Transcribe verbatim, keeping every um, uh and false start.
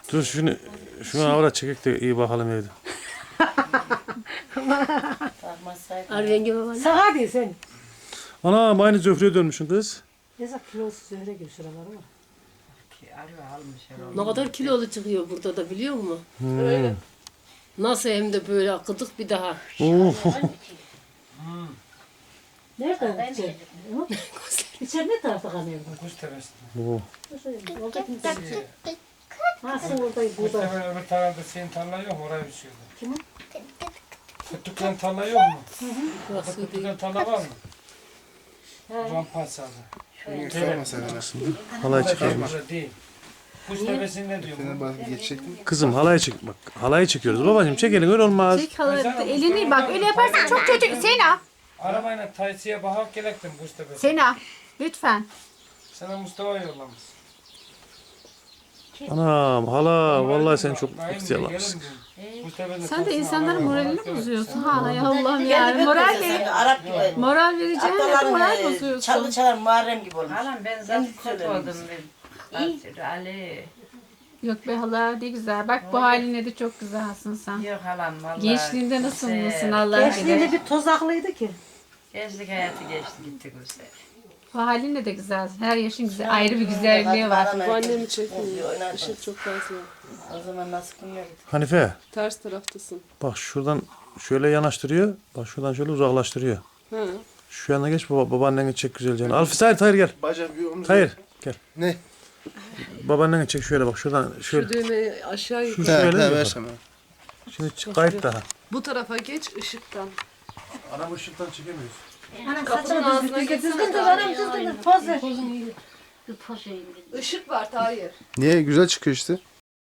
Dur şunu şunu avra çekek de iyi bakalım evde. Al rengi baba. Sağa değil sen. Ana aynı Zöhre'ye dönmüşsün kız. Neyse kilosu zöhre gibi şuraları var. Ne kadar kilolu çıkıyor burada da biliyor musun? Hmm. Nasıl hem de böyle kıdık bir daha. Oo. Nereden içeri? İçeri ne tarafta kanıyor? Kuş tepesinde. Oo. Nasıl oradayım Kuş burada? tepe öbür tarafta senin tarla yok mu? Oraya düşüyordu. Kimin? Fıttıkların tarla yok mu? Burası değil. Fıttıkların tarla var mı? Rampasada. Halay çekelim. Burada değil. Kuş tepesinde diyorum. Kızım halay çek bak. Halayı çekiyoruz. Babacığım çekelim öyle olmaz. Çek hala elini bak öyle yaparsan çok kötü. Sena, Arabayla Taysi'ye bakak gelektim kuş tepesine. Sena lütfen. Sana Mustafa yollamış. Anam hala vallahi sen çok Naim ihtiyar Bey, yapmışsın. gelin Kuş tepesine Sen de Taysi'ye insanların araba moralini bakak bozuyorsun. gelektim. Ha ya Allah'ım ya. Moral ver. Arap gibi. Moral vereceğine de moral Ataların çalgı bozuyorsun. çalar Muharrem gibi olmuş. Halam ben zaten kötü oldum ben. Ali. Yok be hala ne güzel. Bak bu haline de çok güzelsin sen. Yok halam vallahi. Gençliğinde nasıl Güzel. mısın Allah bilir. Gençliğinde bir tozaklıydı ki. Gençlik hayatı geçti gitti güzel. Bu halinle de güzel. Her yaşın güzel. Ayrı bir güzelliği var. Bu Annemi çekmiyor. Işık çok fazla. O zaman nasıl kılmıyordu? Hanife Ters taraftasın. bak şuradan şöyle yanaştırıyor. Bak şuradan şöyle uzaklaştırıyor. Ha. Şu yana geç baba, babaanneni çek güzelce. Alfis hayır hayır gel. Bacak bir omuz. Hayır gel. Ne? Babaanneni çek şöyle bak şuradan şöyle. Şu düğmeyi aşağı Şu yukarı. şöyle He, he, mi? versem ha. Şimdi çık kayıt daha. Bu tarafa geç ışıktan. Ana bu ışıktan çekemiyoruz. Anam Kapının ağzına geçsene. Düzgün dur anam düzgün dur. Poz ver. Işık var Tahir. Niye? Güzel çıkıyor işte.